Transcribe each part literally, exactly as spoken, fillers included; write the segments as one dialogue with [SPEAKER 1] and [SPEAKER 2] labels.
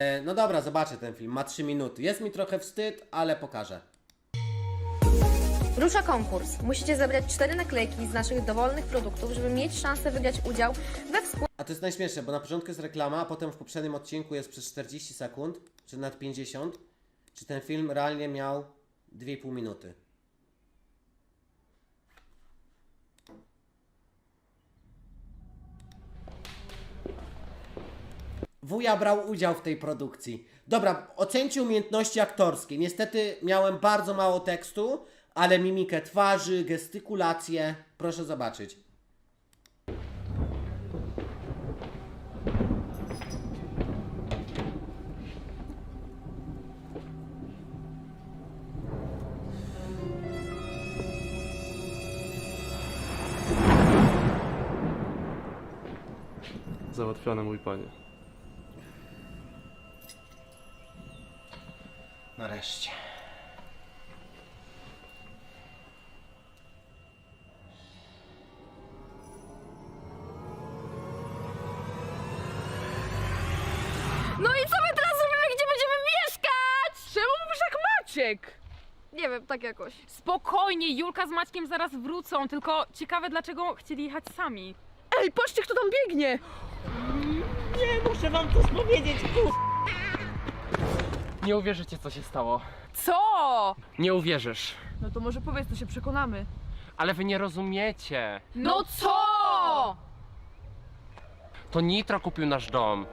[SPEAKER 1] E, no dobra, zobaczę ten film, ma trzy minuty. Jest mi trochę wstyd, ale pokażę.
[SPEAKER 2] Rusza konkurs. Musicie zebrać cztery naklejki z naszych dowolnych produktów, żeby mieć szansę wygrać udział we wspólnym
[SPEAKER 1] A to jest najśmieszniejsze, bo na początku jest reklama, a potem w poprzednim odcinku jest przez czterdzieści sekund, czy nawet pięćdziesiąt. Czy ten film realnie miał dwie i pół minuty. Wuja brał udział w tej produkcji. Dobra, ocencie umiejętności aktorskie. Niestety miałem bardzo mało tekstu, ale mimikę twarzy, gestykulację. Proszę zobaczyć.
[SPEAKER 3] Załatwione, mój panie.
[SPEAKER 1] Nareszcie.
[SPEAKER 4] No i co my teraz robimy? Gdzie będziemy mieszkać?
[SPEAKER 5] Czemu mówisz jak Maciek?
[SPEAKER 4] Nie wiem, tak jakoś.
[SPEAKER 5] Spokojnie, Julka z Maćkiem zaraz wrócą, tylko ciekawe dlaczego chcieli jechać sami.
[SPEAKER 4] Ej, patrzcie, kto tam biegnie!
[SPEAKER 6] Nie, muszę wam coś powiedzieć, kur...
[SPEAKER 7] Nie uwierzycie, co się stało.
[SPEAKER 5] Co?
[SPEAKER 7] Nie uwierzysz.
[SPEAKER 4] No to może powiedz, to się przekonamy.
[SPEAKER 7] Ale wy nie rozumiecie.
[SPEAKER 5] No co?
[SPEAKER 7] To Nitro kupił nasz dom.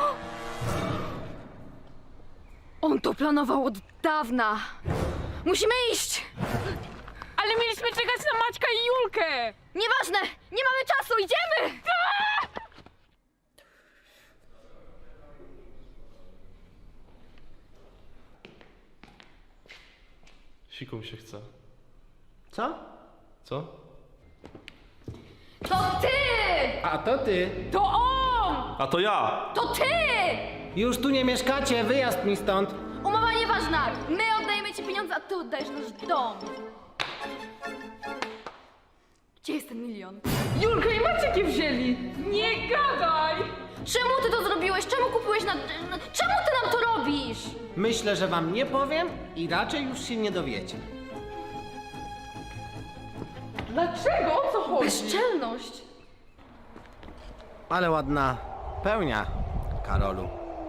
[SPEAKER 4] On to planował od dawna. Musimy iść!
[SPEAKER 5] Ale mieliśmy czekać na Maćka i Julkę!
[SPEAKER 4] Nieważne! Nie mamy czasu, idziemy!
[SPEAKER 3] Siku mi się chce.
[SPEAKER 1] Co?
[SPEAKER 3] Co?
[SPEAKER 4] To ty!
[SPEAKER 1] A to ty.
[SPEAKER 5] To on!
[SPEAKER 3] A to ja!
[SPEAKER 4] To ty!
[SPEAKER 1] Już tu nie mieszkacie, wyjazd mi stąd.
[SPEAKER 4] Umowa nieważna! My oddajemy ci pieniądze, a ty oddajesz nasz dom. Gdzie jest ten milion?
[SPEAKER 5] Julka i Maciek je wzięli! Nie gadaj!
[SPEAKER 4] Czemu ty to zrobiłeś? Czemu kupiłeś na... Czemu ty nam to robisz?
[SPEAKER 1] Myślę, że wam nie powiem i raczej już się nie dowiecie.
[SPEAKER 5] Dlaczego? O co chodzi?
[SPEAKER 4] Bezczelność!
[SPEAKER 1] Ale ładna pełnia, Karolu.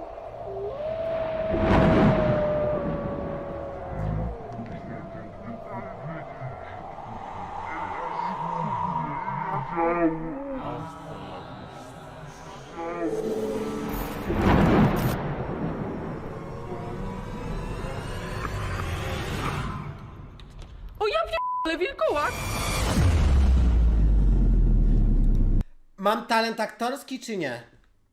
[SPEAKER 5] O ja ale wilkołak!
[SPEAKER 1] Mam talent aktorski czy nie?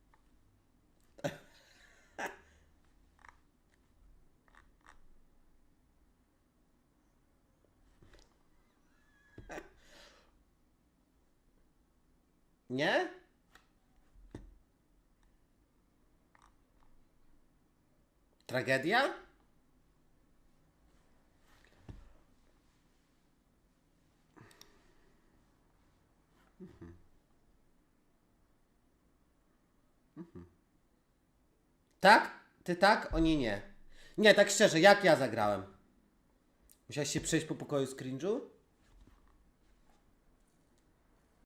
[SPEAKER 1] Nie? Tragedia? Mhm. Mhm. Tak? Ty tak? Oni nie. Nie, tak szczerze, jak ja zagrałem? Musiałeś się przejść po pokoju z cringe'u?